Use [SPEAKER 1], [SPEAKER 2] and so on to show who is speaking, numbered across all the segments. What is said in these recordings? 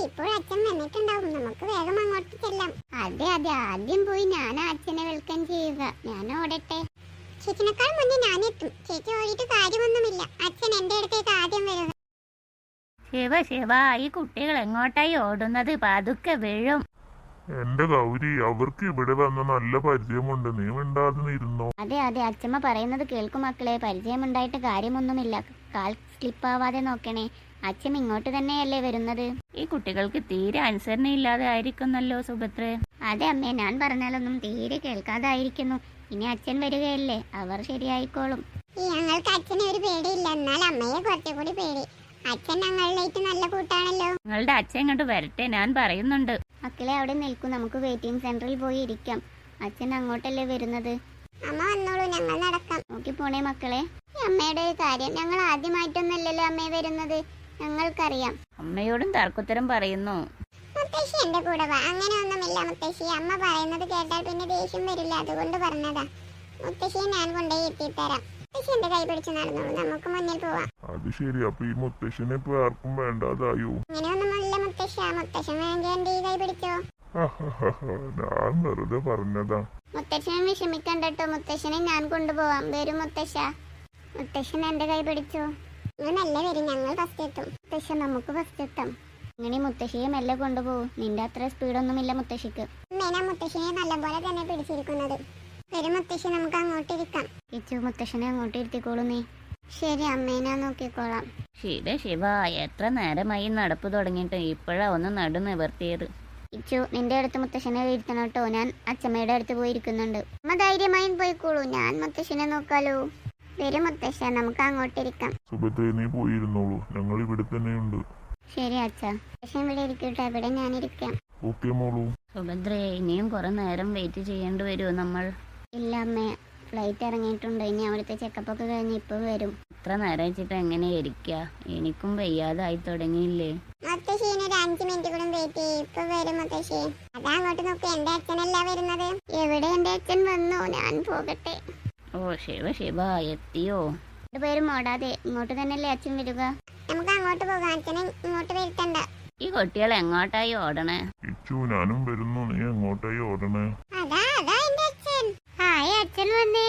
[SPEAKER 1] ഇപ്പോൾ അച്ഛൻ വന്നിട്ടുണ്ടാവും, നമുക്ക് വേഗം അങ്ങോട്ട് ചെല്ലാം. അതെ അതെ, ആദ്യം പോയി ഞാൻ അച്ഛനെ വെൽക്കം ചെയ്യുക. ഞാൻ ഓടട്ടെ. ചേച്ചിനേക്കാൾ മുന്നേ ഞാനെത്തും. ചേച്ചി ഓടിയിട്ട് കാര്യമൊന്നുമില്ല, അച്ഛൻ എന്റെ അടുത്തേക്ക് ആദ്യം വരുന്നത്.
[SPEAKER 2] ശിവ, ഈ കുട്ടികൾ എങ്ങോട്ടായി ഓടുന്നത്? പതുക്കെ വീഴും.
[SPEAKER 3] എന്റെ ഗൗരി, അവർക്ക് ഇവിടെ വന്ന നല്ല പരിചയമുണ്ട്, നീ മിണ്ടാതെ ഇരുന്നോ.
[SPEAKER 1] അതെ അതെ, അച്ഛമ്മ പറയുന്നത് കേൾക്കും മക്കളെ. പരിചയമുണ്ടായിട്ട് കാര്യമൊന്നുമില്ല. കാൽ സ്ലിപ്പാവാതെ നോക്കണേ. അച്ഛൻ ഇങ്ങോട്ട് തന്നെയല്ലേ വരുന്നത്.
[SPEAKER 2] ഈ കുട്ടികൾക്ക് തീരെ അനുസരണയില്ലാതെ ആയിരിക്കുന്നല്ലോ സുഭദ്രേ.
[SPEAKER 1] അതെ അമ്മേ, ഞാൻ പറഞ്ഞാലൊന്നും തീരെ കേൾക്കാതായിരിക്കുന്നു. ഇനി അച്ഛൻ വരികയല്ലേ, അവർ ശരിയായിക്കോളും. ഞങ്ങൾക്ക് അച്ഛനെ ഒരു പേടിയില്ല, എന്നാൽ അമ്മയെ കുറച്ചുകൂടി പേടി. അച്ഛൻ ഞങ്ങളിലേക്ക് നല്ല കൂട്ടാണല്ലോ.
[SPEAKER 2] നിങ്ങളുടെ അച്ഛൻ ഇങ്ങോട്ട് വരട്ടെ, ഞാൻ പറയുന്നുണ്ട്.
[SPEAKER 1] മക്കളെ അവിടെ നിൽക്കും, നമുക്ക് വെയിറ്റിംഗ് സെന്ററിൽ പോയി ഇരിക്കാം. അച്ഛൻ അങ്ങോട്ടല്ലേ വരുന്നത്. അമ്മ വന്നോളൂ, ഞങ്ങൾ നടക്കാം. നോക്കി പോണേ മക്കളെ. അമ്മയുടെ ഒരു കാര്യം, ഞങ്ങൾ ആദ്യമായിട്ടൊന്നല്ലല്ലോ അമ്മ വരുന്നത്, ഞങ്ങൾക്കറിയാം.
[SPEAKER 2] അമ്മയോടും തർക്കുത്തരം പറയുന്നു.
[SPEAKER 1] മുത്തശ്ശി എന്റെ കൂടെ വാ. അങ്ങനെ ഒന്നുമില്ല മുത്തശ്ശി, അമ്മ പറയുന്നത് കേട്ടാൽ പിന്നെ ദേഷ്യം വരില്ല, അതുകൊണ്ട് പറഞ്ഞതാ. മുത്തശ്ശിയെ ഞാൻ കൊണ്ടുപോയി എത്തിത്തരാം. മുത്തശ്ശി എന്റെ കൈ പിടിച്ച് നടന്നോളൂ, നമുക്ക് മുന്നിൽ പോവാം.
[SPEAKER 3] അത് ശരി, അപ്പൊ ഈ മുത്തശ്ശനെ ഇപ്പൊ ആർക്കും വേണ്ടാതായോ?
[SPEAKER 1] അങ്ങനെയൊന്നുമല്ല മുത്തശ്ശ, മുത്തശ്ശൻ വേണ്ടി എന്റെ ഈ കൈ പിടിച്ചോ.
[SPEAKER 3] ഞാൻ വെറുതെ പറഞ്ഞതാ.
[SPEAKER 1] മുത്തശ്ശനെ വിഷമിക്കണ്ടോ, മുത്തശ്ശനെ ഞാൻ കൊണ്ടുപോവാം. വരും മുത്തശ്ശ. മുത്തശ്ശൻ എന്റെ കൈ പിടിച്ചോ. നിങ്ങൾ മെല്ലെ വരും, ഞങ്ങൾ ഫസ്റ്റ് എത്തും. മുത്തശ്ശ, നമുക്ക് ഫസ്റ്റ് എത്താം. അങ്ങനെ മുത്തശ്ശിയെ മെല്ലെ കൊണ്ടുപോകും. നിന്റെ അത്ര സ്പീഡൊന്നുമില്ല മുത്തശ്ശിക്ക്. അമ്മേനാ മുത്തശ്ശിനെ നല്ലപോലെ തന്നെ പിടിച്ചിരിക്കുന്നത്. വരും മുത്തശ്ശി, നമുക്ക് അങ്ങോട്ട് ഇരിക്കാം. ഇച്ചു, മുത്തശ്ശനെ അങ്ങോട്ട് ഇരുത്തിക്കോളൂ നീ. ശരി അമ്മേനാ, നോക്കിക്കോളാം.
[SPEAKER 2] ശിവ, എത്ര നേരമായി നടപ്പ് തുടങ്ങിയിട്ട്, ഇപ്പോഴാ ഒന്ന് നടു നിവർത്തിയത്.
[SPEAKER 1] ഇച്ചു, നിന്റെ അടുത്ത് മുത്തശ്ശനെ ഇരുത്തണം കേട്ടോ. ഞാൻ അച്ഛമ്മയുടെ അടുത്ത് പോയി ഇരിക്കുന്നുണ്ട്. അമ്മ ധൈര്യമായും പോയിക്കോളൂ, ഞാൻ മുത്തശ്ശനെ നോക്കാലോ. വരും മുത്തശ്ശ, നമുക്ക് അങ്ങോട്ടിരിക്കാം.
[SPEAKER 3] സുഭദ്ര, നീ പോയിരുന്നോളൂ, ഞങ്ങൾ ഇവിടെ തന്നെയുണ്ട്.
[SPEAKER 1] ശരി അച്ഛ, മുത്തശ്ശൻ ഇവിടെ ഇരിക്കട്ടെ, ഇവിടെ ഞാനിരിക്കാം.
[SPEAKER 3] ഓക്കെ മോളൂ.
[SPEAKER 2] സുഭദ്രേ, ഇനിയും കുറെ നേരം വെയിറ്റ് ചെയ്യേണ്ടി വരുമോ നമ്മൾ?
[SPEAKER 1] ഇല്ല അമ്മേ, ഫ്ലൈറ്റ് ഇറങ്ങിയിട്ടുണ്ട്. ഇനി അവിടുത്തെ ചെക്കപ്പ് ഒക്കെ കഴിഞ്ഞ് ഇപ്പൊ വരും.
[SPEAKER 2] ഇത്ര നേരം വെച്ചിട്ട് എങ്ങനെ ഇരിക്കുക? എനിക്കും വയ്യാതായി തുടങ്ങിയില്ലേ?
[SPEAKER 1] മുത്തശ്ശീന് ഒരു 5 മിനിറ്റ് കൂടെ വെയിറ്റ് ചെയ്യും, ഇപ്പൊ വരും മുത്തശ്ശി. അതാ അങ്ങോട്ട് നോക്കി, എന്റെ അച്ഛനല്ല വരുന്നത്. എവിടെ എന്റെ അച്ഛൻ വന്നു, ഞാൻ പോകട്ടെ.
[SPEAKER 2] ഓ ശിവ, എത്തിയോ?
[SPEAKER 1] രണ്ടുപേരും ഓടാതെ ഇങ്ങോട്ട് തന്നെയല്ലേ അച്ഛൻ വരിക. നമുക്ക് അങ്ങോട്ട് പോകാം, അച്ഛനെ ഇങ്ങോട്ട് വരുത്തണ്ട.
[SPEAKER 2] ഈ കുട്ടികൾ എങ്ങോട്ടായി ഓടണേ?
[SPEAKER 3] ഇച്ചു, ഞാനും വരുന്നു, നീ എങ്ങോട്ടായി ഓടണേ?
[SPEAKER 1] അതാ എന്റെ അച്ഛൻ. ഹായ്, അച്ഛൻ വന്നേ.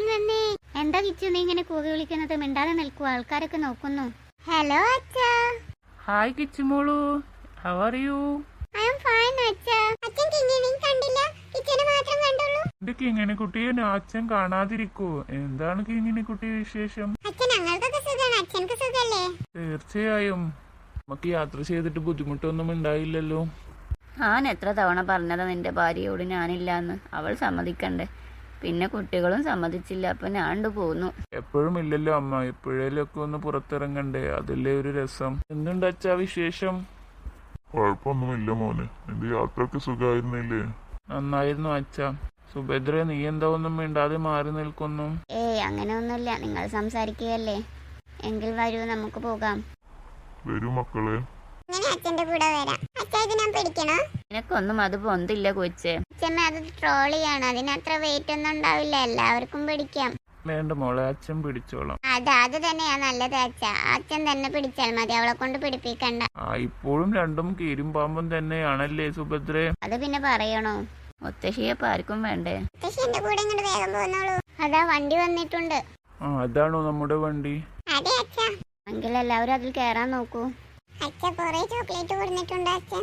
[SPEAKER 1] എന്താ കിച്ചു നീ ഇങ്ങനെ കൂവി വിളിക്കുന്നത്? മിണ്ടാതെ നിൽക്കൂ, ആൾക്കാരൊക്കെ നോക്കുന്നു. ഹലോ അച്ഛാ.
[SPEAKER 4] ഹായ് കിച്ചുമോളു, how are you?
[SPEAKER 1] I am fine അച്ഛാ. അച്ഛൻ കിങ്ങിനെ കണ്ടില്ല, കിച്ചനെ മാത്രം കണ്ടുള്ളൂ.
[SPEAKER 4] എന്റെ കിങ്ങിണി കുട്ടിയെ അച്ഛൻ കാണാതിരിക്കോ? എന്താണ് കിങ്ങിണി കുട്ടി വിശേഷം?
[SPEAKER 1] അച്ഛൻ ഞങ്ങൾക്കൊക്കെ സുഖാണ്, അച്ഛനക്ക് സുഖല്ലേ?
[SPEAKER 4] തീർച്ചയായും. നമുക്ക് യാത്ര ചെയ്തിട്ട് ബുദ്ധിമുട്ടൊന്നും ഉണ്ടായില്ലല്ലോ.
[SPEAKER 2] ഞാൻ എത്ര തവണ പറഞ്ഞതാ നിന്റെ ഭാര്യയോട് ഞാനില്ലാന്ന്. അവൾ സമ്മതിക്കണ്ടേ? പിന്നെ കുട്ടികളും സമ്മതിച്ചില്ല, അപ്പൊ ഞാണ്ട് പോന്നു.
[SPEAKER 4] എപ്പോഴും ഇല്ലല്ലോ അമ്മ, എപ്പോഴേലൊക്കെ ഒന്ന് പുറത്തിറങ്ങണ്ടേ, അതല്ലേ ഒരു രസം. എന്തുണ്ട് അച്ഛാ വിശേഷം?
[SPEAKER 3] കുഴപ്പമൊന്നുമില്ല മോനെ, നിന്റെ യാത്രക്ക് സുഖമായിരുന്നില്ലേ?
[SPEAKER 4] നന്നായിരുന്നു അച്ഛാ. സുഭദ്ര, നീ എന്താ ഒന്നും മിണ്ടാതെ മാറി നിൽക്കുന്നു?
[SPEAKER 1] ഏയ് അങ്ങനെ ഒന്നുമില്ല, നിങ്ങൾ സംസാരിക്കുകയല്ലേ. എങ്കിൽ വരൂ, നമുക്ക് പോകാം.
[SPEAKER 3] വരൂ മക്കളെ.
[SPEAKER 1] അച്ഛന്റെ കൂടെ വരാം. അച്ഛാ, ഇത് ഞാൻ പിടിക്കണോ?
[SPEAKER 2] നിനക്കൊന്നും അത് പൊന്തില്ല കൊച്ചേ.
[SPEAKER 1] അച്ഛമ്മ, അത് ട്രോളിയാണ്, അതിനത്ര വെയിറ്റ് ഒന്നും ഉണ്ടാവില്ല, എല്ലാവർക്കും പിടിക്കാം.
[SPEAKER 4] വേണ്ട മോളെ, അച്ഛൻ പിടിച്ചോളാം.
[SPEAKER 1] അത് തന്നെയാ നല്ലത് അച്ഛാ. അച്ഛൻ തന്നെ പിടിച്ചാൽ മതി, അവളെ കൊണ്ട് പിടിപ്പിക്കണ്ട.
[SPEAKER 4] ഇപ്പോഴും രണ്ടും കീരും പാമ്പും തന്നെയാണല്ലേ സുഭദ്രേ?
[SPEAKER 1] അത് പിന്നെ പറയണോ?
[SPEAKER 2] മുത്തശ്ശിയെ ആർക്കും വേണ്ടേ?
[SPEAKER 1] മുത്തശ്ശി എന്റെ കൂടെ ഇങ്ങോട്ട് വേഗം പോന്നോളൂ. അതാ വണ്ടി വന്നിട്ടുണ്ട്.
[SPEAKER 4] അതാണോ നമ്മുടെ വണ്ടി?
[SPEAKER 1] അതെ അച്ഛാ. എങ്കിൽ എല്ലാവരും അതിൽ കേറാൻ നോക്കൂ. അച്ഛ, കൊറേ ചോക്ലേറ്റ് കൊടുത്തിട്ടുണ്ട് അച്ഛൻ.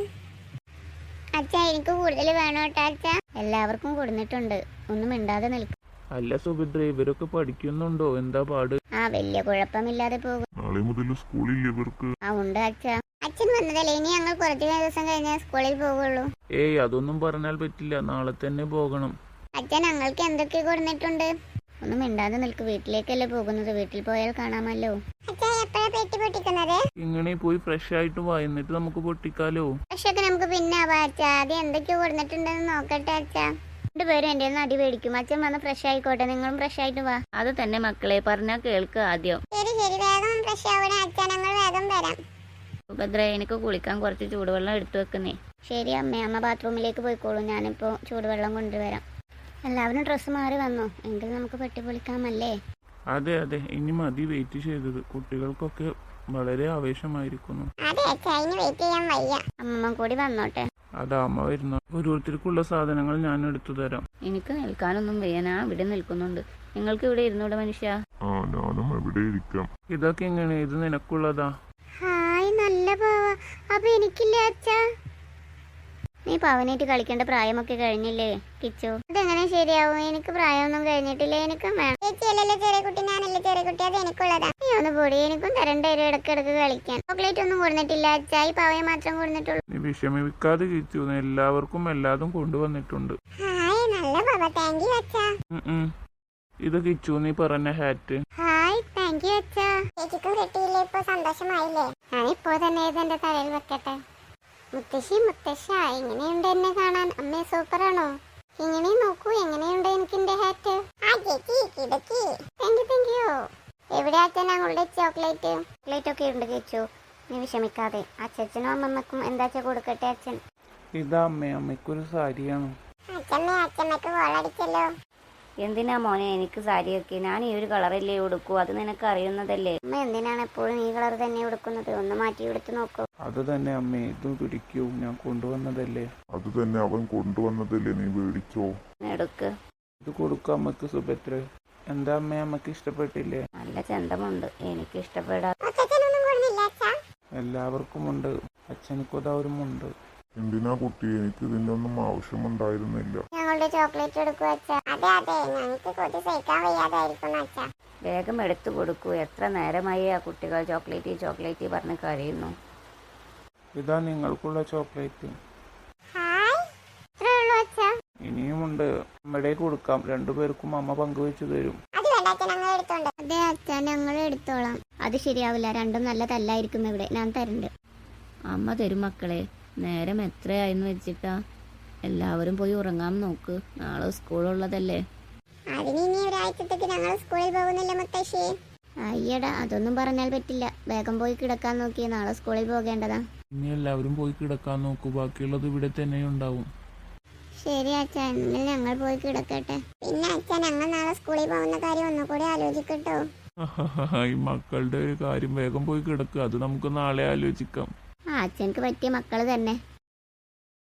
[SPEAKER 1] അച്ഛാ, എനിക്ക് കൂടുതൽ വേണം കേട്ടോ അച്ഛാ. എല്ലാവർക്കും കൊടുത്തിട്ടുണ്ട്, ഒന്നും മിണ്ടാതെ നിൽക്കും.
[SPEAKER 4] അല്ല സുഭദ്ര, ഇവരൊക്കെ പഠിക്കുന്നുണ്ടോ? എന്താ പാട്?
[SPEAKER 1] വലിയ കുഴപ്പമില്ലാതെ പോകും.
[SPEAKER 3] നാളെ മുതൽ സ്കൂളിൽ ഇവർക്ക്.
[SPEAKER 1] ഉണ്ട് അച്ഛാ. അച്ഛൻ വന്നതല്ലേ, ഇനി ഞങ്ങൾ കുറച്ച് ദിവസം കഴിഞ്ഞാൽ സ്കൂളിൽ പോകുള്ളൂ.
[SPEAKER 4] ഏയ്, അതൊന്നും പറഞ്ഞാൽ പറ്റില്ല, നാളെ തന്നെ പോകണം.
[SPEAKER 1] അച്ഛൻ ഞങ്ങൾക്ക് എന്തൊക്കെ കൊടുത്തിട്ടുണ്ട്? ഒന്നും മിണ്ടാതെ നിൽക്ക്, വീട്ടിലേക്കല്ലേ പോകുന്നത്, വീട്ടിൽ പോയാൽ കാണാമല്ലോ. അച്ഛാ, എപ്പോഴാ പെട്ടി പൊട്ടിക്കുന്നത്?
[SPEAKER 4] ഇങ്ങനെ പോയി ഫ്രഷ് ആയിട്ട് വാ, എന്നിട്ട് നമുക്ക് പൊട്ടിക്കാലോ.
[SPEAKER 1] പക്ഷെ നമുക്ക് പിന്നെ ആവാ അച്ഛാ. ആദ്യം എന്തൊക്കെയോ കൊടുത്തിട്ടുണ്ടെന്ന് നോക്കട്ടെ അച്ഛാ. രണ്ടുപേരും എന്റെ അടി മേടിക്കും. അച്ഛൻ വന്ന് ഫ്രഷ് ആയിക്കോട്ടെ, നിങ്ങളും ഫ്രഷ് ആയിട്ട് വാ.
[SPEAKER 2] അത് തന്നെ മക്കളെ, പറഞ്ഞാ കേൾക്ക് ആദ്യം.
[SPEAKER 1] ശരി, വേഗം ഫ്രഷ് ആവണേ അച്ഛാ, ഞങ്ങൾ വേഗം വരാം.
[SPEAKER 2] സുഭദ്ര, എനിക്ക് കുളിക്കാൻ കുറച്ച് ചൂടുവെള്ളം എടുത്തു വെക്കുന്നേ.
[SPEAKER 1] ശരി അമ്മ ബാത്റൂമിലേക്ക് പോയിക്കോളൂ, ഞാനിപ്പോ ചൂടുവെള്ളം കൊണ്ടുവരാം. എല്ലാവരും ഡ്രസ്സ് മാറി വന്നു, എങ്കിൽ നമുക്ക് പെട്ടി പൊളിക്കാമല്ലേ?
[SPEAKER 4] അതെ, ഇനി മതി വെയിറ്റ് ചെയ്തത്. കുട്ടികൾക്കൊക്കെ വളരെ ആവേശമായിരിക്കുന്നു.
[SPEAKER 1] അതെ അച്ഛാ, ഇനി വെയിറ്റ് ചെയ്യാൻ വയ്യ.
[SPEAKER 2] അമ്മമ്മ കൂടി വന്നോട്ടെ.
[SPEAKER 4] അതാ അമ്മ വരുന്നു. ഓരോരുത്തർക്കുള്ള സാധനങ്ങൾ ഞാൻ എടുത്തു തരാം.
[SPEAKER 2] എനിക്ക് നിൽക്കാനൊന്നും വയ്യ, ഞാൻ ഇവിടെ നിൽക്കുന്നുണ്ട്. നിങ്ങൾക്ക് ഇവിടെ ഇരുന്നൂടെ മനുഷ്യ?
[SPEAKER 3] ആ ഞാനും എവിടെ ഇരിക്കാം.
[SPEAKER 4] ഇതൊക്കെ എങ്ങനെ? ഇത് നിനക്കുള്ളതാ.
[SPEAKER 1] ഹായ്, നല്ല പാവ. അപ്പൊ എനിക്കില്ലേ അച്ഛാ?
[SPEAKER 2] നീ പവനായിട്ട് കളിക്കേണ്ട പ്രായമൊക്കെ കഴിഞ്ഞില്ലേ കിച്ചു?
[SPEAKER 1] അതെങ്ങനെ ശരിയാവും? എനിക്ക് പ്രായമൊന്നും കഴിഞ്ഞിട്ടില്ല. എനിക്കും വേണം. ചേച്ചിയല്ലല്ലോ ചെറിയ കുട്ടി, ഞാനല്ലേ ചെറിയ കുട്ടി, അത് എനിക്കുള്ളതാ. നീ ഒന്ന് പൊടി, എനിക്കും തരണ്ട വരും ഇടക്കിടക്ക് കളിക്കാൻ. ചോക്ലേറ്റ് ഒന്നും കൊടുത്തിട്ടില്ല അച്ഛാ, ഈ പാവയെ മാത്രം കൊടുത്തിട്ടുള്ളൂ.
[SPEAKER 4] നീ വിഷമിക്കാതെ കിച്ചു, എല്ലാവർക്കും എല്ലാതും കൊണ്ടുവന്നിട്ടുണ്ട്.
[SPEAKER 1] ഹായ്, നല്ല പാവ. താങ്ക് യു അച്ഛാ.
[SPEAKER 4] ഇത് കിച്ചു നീ പറഞ്ഞ ഹാറ്റ്.
[SPEAKER 1] ഹായ്, താങ്ക് യു അച്ഛാ. ചേച്ചിക്കും കിട്ടിയില്ലേ? ഇപ്പൊ സന്തോഷമായില്ലേ? ഞാനിപ്പോ തന്നെ ഇത് എന്റെ തലയിൽ വെക്കട്ടെ. മുത്തശ്ശി, മുത്തശ്ശ, എങ്ങനെയുണ്ട് എന്നെ കാണാൻ? അമ്മേ സൂപ്പറാണോ? ഇങ്ങനെ നോക്കൂ, എങ്ങനെയുണ്ട് എനിക്ക് എന്റെ ഹാറ്റ്? Thank you. എവിടെ അച്ഛൻ ഞങ്ങളുടെ ചോക്ലേറ്റ്?
[SPEAKER 2] ചോക്ലേറ്റ് ഒക്കെ ഉണ്ട് കിച്ചു, നീ വിഷമിക്കാതെ. അച്ഛനും അമ്മമ്മക്കും എന്താച്ചാ കൊടുക്കട്ടെ അച്ഛൻ.
[SPEAKER 4] ഇതാ അമ്മേ, അമ്മയ്ക്കൊരു സാരിയാണ്.
[SPEAKER 1] അച്ഛമ്മക്ക് കോളടിച്ചല്ലോ.
[SPEAKER 2] എന്തിനാ മോനെ എനിക്ക് സാരിയൊക്കെ? ഞാൻ ഈ ഒരു കളറല്ലേ ഉടുക്കൂ, അത് നിനക്ക് അറിയുന്നതല്ലേ.
[SPEAKER 1] അമ്മ എന്തിനാണ് എപ്പോഴും ഈ കളർ തന്നെ ഉടുക്കുന്നത്? ഒന്ന് മാറ്റി എടുത്ത് നോക്കൂ.
[SPEAKER 4] അത് തന്നെ അമ്മേ, ഇത് പിടിക്കൂ, ഞാൻ കൊണ്ടുവന്നതല്ലേ.
[SPEAKER 3] അത് തന്നെ അവൻ കൊണ്ടുവന്നതല്ലേ, നീ മേടിച്ചോ.
[SPEAKER 2] എടുക്ക്.
[SPEAKER 4] ഇത് കൊടുക്കാം അമ്മക്ക് സുഭദ്ര. എന്താ അമ്മേ, അമ്മക്ക് ഇഷ്ടപ്പെട്ടില്ലേ?
[SPEAKER 2] നല്ല ചന്തമുണ്ട്, എനിക്ക് ഇഷ്ടപ്പെടാ.
[SPEAKER 4] എല്ലാവർക്കും ഉണ്ട്. അച്ഛനക്കതാ ഒരു മുണ്ട്.
[SPEAKER 3] എന്തിനാ കുട്ടി, എനിക്ക് ഇതിന്റെ ഒന്നും ആവശ്യമുണ്ടായിരുന്നില്ല.
[SPEAKER 1] ഞങ്ങളുടെ ചോക്ലേറ്റ് എടുക്കൂ അച്ഛാ. അതെ അതെ, ഞങ്ങൾക്ക് കൊതി സഹിക്കാൻ വയ്യാതായിരിക്കുന്നു അച്ഛാ.
[SPEAKER 2] വേഗം എടുത്തു കൊടുക്കൂ. എത്ര നേരമായി ആ കുട്ടികൾ ചോക്ലേറ്റ് പറഞ്ഞ് കരയുന്നു.
[SPEAKER 4] ഇതാ നിങ്ങൾക്കുള്ള ചോക്ലേറ്റ്.
[SPEAKER 1] ഹായ്, ഇത്രേ ഉള്ളൂ അച്ഛാ.
[SPEAKER 4] ഇനിയുമുണ്ട്, അമ്മയുടെ കൊടുക്കാം. രണ്ടുപേർക്കും അമ്മ പങ്കുവെച്ചു തരും.
[SPEAKER 1] അത് വേണ്ട അച്ഛൻ, ഞങ്ങൾ എടുത്തോണ്ട്. അതെ അച്ഛാ, ഞങ്ങൾ എടുത്തോളാം.
[SPEAKER 2] അത് ശരിയാവില്ല, രണ്ടും നല്ല തല്ലായിരിക്കും ഇവിടെ. ഞാൻ തരണ്ട്. അമ്മ തരും മക്കളെ. നേരം എത്രയായെന്ന് വെച്ചിട്ടാ? എല്ലാവരും പോയി ഉറങ്ങാൻ നോക്ക്, നാളെ സ്കൂളുള്ളതല്ലേ.
[SPEAKER 1] അതിന് ഇനി ഒരാഴ്ചത്തേക്ക് ഞങ്ങൾ സ്കൂളിൽ പോകുന്നില്ല മുത്തശ്ശി.
[SPEAKER 2] അയ്യടാ, അതൊന്നും പറഞ്ഞാൽ പറ്റില്ല. വേഗം പോയി കിടക്കാൻ നോക്കി, നാളെ സ്കൂളിൽ പോകേണ്ടതാ.
[SPEAKER 4] ഇനി എല്ലാവരും പോയി കിടക്കാൻ നോക്കൂ, ബാക്കിയുള്ളത് ഇവിടെ തന്നെ ഉണ്ടാവും.
[SPEAKER 1] ശരി അച്ഛാ, എങ്കിൽ ഞങ്ങൾ പോയി കിടക്കട്ടെ. പിന്നെ അച്ഛാ, ഞങ്ങൾ നാളെ സ്കൂളിൽ പോകുന്ന കാര്യം ഒന്നുകൂടി ആലോചിക്കട്ടോ.
[SPEAKER 4] ഈ മക്കളുടെ ഒരു കാര്യം, വേഗം പോയി കിടക്കുക, അത് നമുക്ക് നാളെ ആലോചിക്കാം.
[SPEAKER 2] ആ അച്ഛനക്ക് പറ്റിയ മക്കള് തന്നെ.